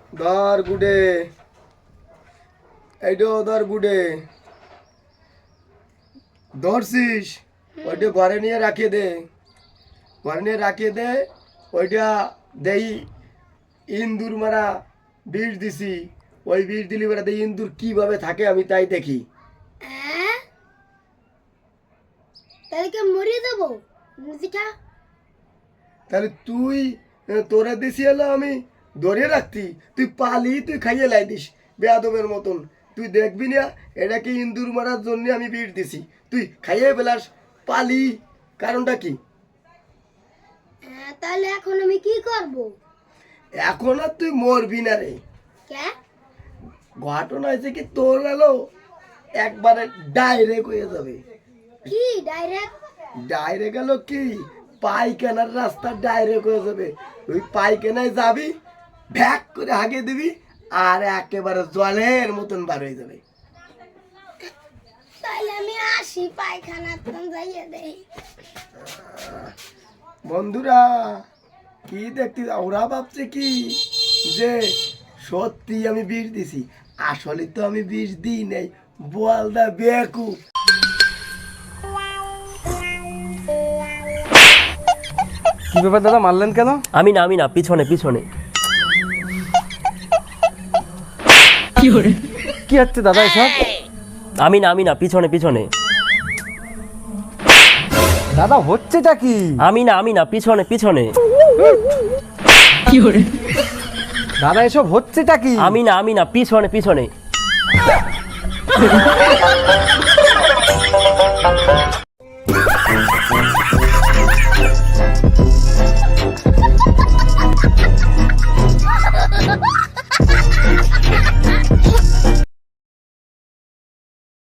ধর গুডে, এইটা ধর গুডে, ধরছিস ওইটা ঘরে নিয়ে রাখিয়ে দে, ঘরে নিয়ে রাখিয়ে দে। ওইটা দেই ইন্দুর মারা বিষ দিছি, ওই বিষ দিলি বেড়া দেই ইন্দুর কিভাবে থাকে আমি তাই দেখি। তাহলে কি মরিয়ে দেবো? তাহলে তুই তোরে দিছি হলো আমি ধরে রাখতি, তুই পালি তুই খাইয়ে লাই দিস বেয়াদবের মতন। তুই দেখবি না এটা কি ইন্দুর মারার জন্য আমি বিষ দিছি, তুই খাইয়ে বেলাস পালি, কারণটা কি? তাহলে এখন আমি কি করব? এখন আর তুই মরবি না রে। ঘটনা হয়েছে কি তোর গেলো একবারে ডাইরেক্ট হয়ে যাবে। কি ডাইরেক্ট? ডাইরেক্ট গেল কি পায়খানার রাস্তা ডাইরেক্ট হয়ে যাবে। তুই পায়খানায় যাবি, ভ্যাক করে হাগে দিবি, আর একেবারে জলের মতন বার হয়ে যাবে। তাহলে আমি আসি, পায়খানা যাইয়ে দেই। বন্ধুরা কি দেখতে, ওরা ভাবছে কি যে সত্যি আমি বিষ দিছি, আসলে তো আমি বিষ দিই নাই, বলদা বেকুব। কি ব্যাপার দাদা, মারলেন কেন? আমি না পিছনে পিছনে। কি হচ্ছে দাদা এসব? আমি না পিছনে পিছনে। দাদা হচ্ছেটা কি? আমি না পিছনে পিছনে। দাদা এসব হচ্ছেটা কি? আমি না পিছনে পিছনে। Ha ha ha!